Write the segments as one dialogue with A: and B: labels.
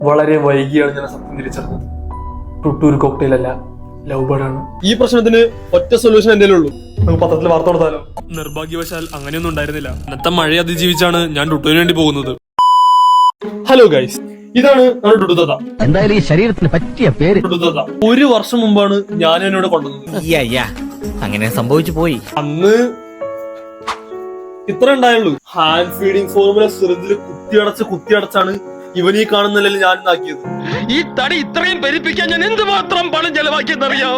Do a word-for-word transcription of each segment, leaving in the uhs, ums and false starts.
A: വളരെ വൈകിയാണ് ഞാൻ സത്യം തിരിച്ചറിഞ്ഞത്. ടുട്ടൂർ കോക്ടെയിൽ അല്ല, ലവ് ബേർഡ് ആണ്.
B: ഈ പ്രശ്നത്തിന് ഒറ്റ സൊല്യൂഷൻ എന്തേലും ഉള്ളൂ.
A: നമുക്ക് പത്രത്തിൽ വാർത്ത കൊടുത്താലോ?
B: നിർഭാഗ്യവശാൽ അങ്ങനെയൊന്നും ഉണ്ടായിരുന്നില്ല. അന്നത്തെ മഴ അതിജീവിച്ചാണ് ഞാൻ ടുട്ടുവിന് വേണ്ടി പോകുന്നത്. ഹലോ ഗൈസ്, ഇതാണ് നമ്മുടെ ടുട്ടുതത്ത.
C: എന്തായാലും ഈ ശരീരത്തിന് പറ്റിയ പേര്
B: ടുട്ടുതത്ത ഒരു വർഷം മുമ്പാണ് ഞാൻ എന്നോട് കൊണ്ടുവന്നത്.
C: അങ്ങനെ സംഭവിച്ചു പോയി.
B: അന്ന് ഇത്ര ഉണ്ടായുള്ളൂ. ഹാൻഡ് ഫീഡിങ് ഫോർമുല സിറിഞ്ചിൽ കുത്തിയടച്ച് കുത്തിയടച്ചാണ് ഇവൻ ഈ കാണുന്നില്ല ഞാൻ ഇതാക്കിയത്.
D: ഈ തടി ഇത്രയും പെരുപ്പിക്കാൻ ഞാൻ എന്തുമാത്രം പണം ചെലവാക്കിയെന്നറിയാവോ?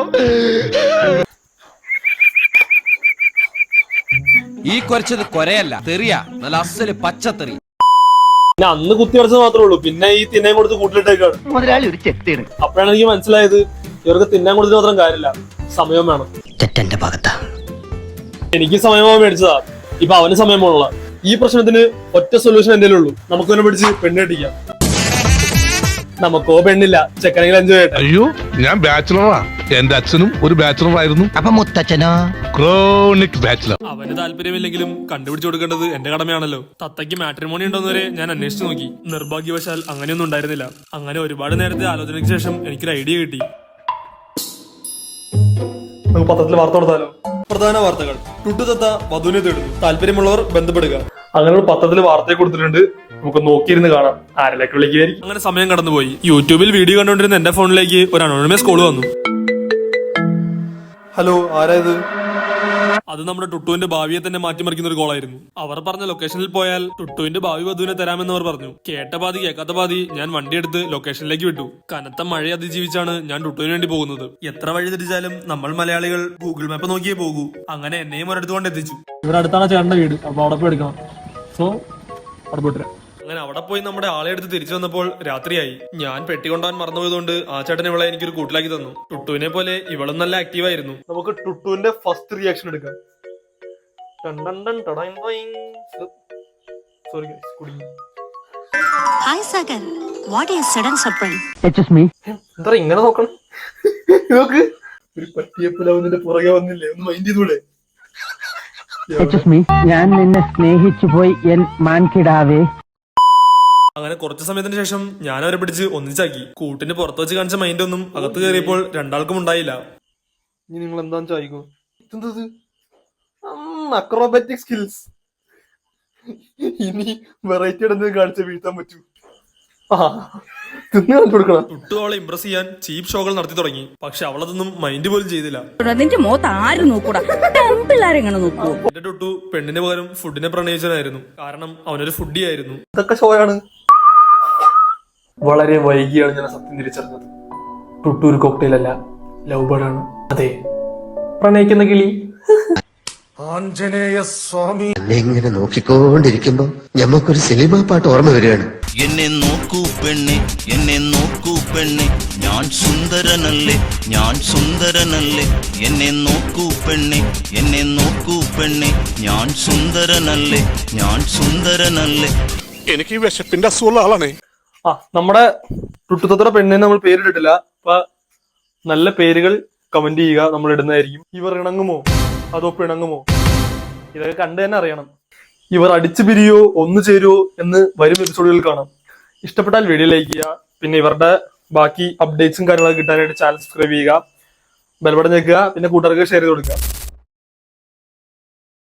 E: ഈ കുറച്ചത് കൊരയല്ല, തെറിയ, നല്ല അസല് പച്ചത്തെറി.
B: പിന്നെ അന്ന് കുത്തിയടച്ചത് മാത്രമേ ഉള്ളൂ. പിന്നെ ഈ തിന്നാൻ കൊടുത്ത് കൂട്ടിലിട്ടേക്കാണ്.
C: മുതലാളി ഒരു ചെത്തിയാണ്.
B: അപ്പോഴാണ് എനിക്ക് മനസ്സിലായത് ഇവർക്ക് തിന്നാൻ കൊടുത്തിട്ട് മാത്രം കാര്യമില്ല, സമയം വേണം.
C: ചെറ്റന്റെ ഭാഗത്താ.
B: എനിക്ക് സമയമാ മേടിച്ചതാ, ഇപ്പൊ അവന് സമയം പോലുള്ള. ഈ പ്രശ്നത്തിന് ഒറ്റ സൊല്യൂഷൻ എന്തേലും ഉള്ളൂ. നമുക്കൊന്നെ പിടിച്ച് പെണ്ണെട്ടിക്കാം. നമുക്കോ പെണ്ണില്ല, ചെക്കനെങ്കിലും എൻജോയ് ചെയ്യട്ടെ.
F: അയ്യോ, ഞാൻ ബാച്ചിലറാ. എന്റെ അച്ഛനും ഒരു ബാച്ചിലർ ആയിരുന്നു.
C: അപ്പൊ മുത്തച്ഛനോ?
F: Chronic bachelor.
B: അവന് താല്പര്യമില്ലെങ്കിലും കണ്ടുപിടിച്ചു കൊടുക്കേണ്ടത് എന്റെ കടമയാണല്ലോ. തത്തയ്ക്ക് മാട്രിമോണി ഉണ്ടോന്നുവരെ ഞാൻ അന്വേഷിച്ചു നോക്കി. നിർഭാഗ്യവശാൽ അങ്ങനെയൊന്നും ഉണ്ടായിരുന്നില്ല. അങ്ങനെ ഒരുപാട് നേരത്തെ ആലോചനയ്ക്ക് ശേഷം എനിക്കൊരു ഐഡിയ കിട്ടി.
A: നമുക്ക് പത്രത്തിൽ വാർത്ത കൊടുത്താലോ?
B: പ്രധാന വാർത്തകൾ: ടുട്ടുതത്ത വധുവിനെ തേടുന്നു, താല്പര്യമുള്ളവർ ബന്ധപ്പെടുക.
A: അങ്ങനെ ഒരു പത്രത്തിൽ വാർത്തയെ കൊടുത്തിട്ടുണ്ട്. നമുക്ക് നോക്കിയിരുന്ന് കാണാം ആരിലേക്ക് വിളിക്കുകയായിരിക്കും.
B: അങ്ങനെ സമയം കടന്നുപോയി. യൂട്യൂബിൽ വീഡിയോ കണ്ടുകൊണ്ടിരുന്ന എന്റെ ഫോണിലേക്ക് ഒരു അനോണിമസ് കോൾ വന്നു.
A: ഹലോ, ആരായത്?
B: അത് നമ്മുടെ ടുട്ടുവിന്റെ ഭാവിയെ തന്നെ മാറ്റിമറിക്കുന്ന ഒരു കോളായിരുന്നു. അവർ പറഞ്ഞ ലൊക്കേഷനിൽ പോയാൽ ടുട്ടുവിന്റെ ഭാവി വധുവിനെ തരാമെന്ന് അവർ പറഞ്ഞു. കേട്ട പാതി കേൾക്കാത്ത പാതി ഞാൻ വണ്ടിയെടുത്ത് ലൊക്കേഷനിലേക്ക് വിട്ടു. കനത്ത മഴ അതിജീവിച്ചാണ് ഞാൻ ടുട്ടുവിന് വേണ്ടി പോകുന്നത്. എത്ര വഴി തിരിച്ചാലും നമ്മൾ മലയാളികൾ ഗൂഗിൾ മാപ്പ് നോക്കിയേ പോകൂ. അങ്ങനെ എന്നെയും ഒരിടത്ത് കൊണ്ട് എത്തിച്ചു.
A: ഇവിടെ അടുത്താണ് ചേട്ടന്റെ വീട്, അപ്പൊ അവിടെ പോയി എടുക്കണം. സോ അവിടെ പോയിട്ട്
B: അങ്ങനെ അവിടെ പോയി നമ്മുടെ ആളെ എടുത്ത് തിരിച്ചു വന്നപ്പോൾ രാത്രിയായി. ഞാൻ പെട്ടി കൊണ്ടുപോകാൻ മറന്നുപോയതുകൊണ്ട് ആ ചേട്ടൻ ഇവളെ എനിക്കൊരു കൂട്ടിലാക്കി തന്നു. ടുട്ടുവിനെ പോലെ ഇവളും നല്ല ആക്റ്റീവ് ആയിരുന്നു.
A: നമുക്ക് ടുട്ടുവിന്റെ ഫസ്റ്റ് റിയാക്ഷൻ എടുക്കാം. സോറി കുടുങ്ങി.
G: Hi Sagar, what a sudden surprise.
C: Excuse me.
A: എന്താ ഇങ്ങനെ നോക്കണം? നോക്ക്, ഒരു പട്ടിയപ്പലാവുന്നതിന്റെ പുറകെ വന്നില്ലേ? ഒന്ന് മൈൻഡ് ചെയ്തൂടെ?
C: Excuse me. ഞാൻ നിന്നെ സ്നേഹിച്ചു പോയി എൻ മാൻകിടാവേ.
B: അങ്ങനെ കുറച്ചു സമയത്തിന് ശേഷം ഞാൻ അവരെ പിടിച്ച് ഒന്നിച്ചാക്കി. കൂട്ടിന് പുറത്ത് വെച്ച് കാണിച്ച മൈൻഡ് ഒന്നും അകത്ത് കയറിയപ്പോൾ രണ്ടാൾക്കും ഉണ്ടായില്ല.
A: ഇനി നിങ്ങൾ എന്താന്ന് ചോദിക്കോ? എന്തത്? Acrobatic skills. ഇനി വെറൈറ്റി എന്തെങ്കിലും കാണിച്ച വീഴ്ത്താൻ പറ്റൂ. തിന്നു കാണിച്ചു കൊടുക്കണം.
B: ടുട്ടു അവളെ ഇംപ്രസ് ചെയ്യാൻ ചീപ്പ് ഷോകൾ നടത്തി തുടങ്ങി. പക്ഷെ അവളതൊന്നും മൈൻഡ് പോലും ചെയ്തില്ല.
H: നിന്റെ മുഖത്ത് ആരും നോക്കൂടാ, പിള്ളേരെങ്ങനെ നോക്കൂ?
B: എന്റെ ടുട്ടു പെണ്ണിന് പകരം ഫുഡിനെ പ്രണയിച്ചനായിരുന്നു. കാരണം അവനൊരു ഫുഡി ആയിരുന്നു.
A: ഇതൊക്കെ ഷോയാണ്. വളരെ വൈകിയാണ് ഞാൻ സത്യം തിരിച്ചറിഞ്ഞത്. ടുട്ടൂർ കോക്ടെയിൽ അല്ല, ലവ് ബേർഡ് ആണ്. അതെ, പ്രണയിക്കുന്ന കിളി.
I: ഇങ്ങനെ നോക്കിക്കൊണ്ടിരിക്കുമ്പോ ഞമ്മക്കൊരു സിനിമ പാട്ട് ഓർമ്മ വരികയാണ്.
E: എന്നെ നോക്കൂ പെണ്ണെ, എന്നെ നോക്കൂ പെണ്ണെ, ഞാൻ സുന്ദരനല്ലേ, ഞാൻ സുന്ദരനല്ലേ. എന്നെ നോക്കൂ പെണ്ണെ, എന്നെ നോക്കൂ പെണ്ണെ, ഞാൻ സുന്ദരനല്ലേ, ഞാൻ സുന്ദരനല്ലേ.
F: എനിക്ക് വിശപ്പിന്റെ അസുഖമുള്ള ആളാണേ.
A: ആ, നമ്മുടെ ടുട്ടുത്തത്ര പെണ്ണിനെ നമ്മൾ പേരിട്ടിട്ടില്ല. അപ്പൊ നല്ല പേരുകൾ കമന്റ് ചെയ്യുക, നമ്മൾ ഇടുന്നതായിരിക്കും. ഇവർ ഇണങ്ങുമോ അതോ പിണങ്ങുമോ? ഇതൊക്കെ കണ്ടു തന്നെ അറിയണം. ഇവർ അടിച്ചു പിരിയോ ഒന്നു ചേരുവോ എന്ന് വരും എപ്പിസോഡുകളിൽ കാണാം. ഇഷ്ടപ്പെട്ടാൽ വീഡിയോ ലൈക്ക് ചെയ്യുക. പിന്നെ ഇവരുടെ ബാക്കി അപ്ഡേറ്റ്സും കാര്യങ്ങളൊക്കെ കിട്ടാനായിട്ട് ചാനൽ സബ്സ്ക്രൈബ് ചെയ്യുക, ബെൽ ബട്ടൺ ഞെക്കുക, പിന്നെ കൂട്ടുകാർക്ക് ഷെയർ ചെയ്ത് കൊടുക്കുക.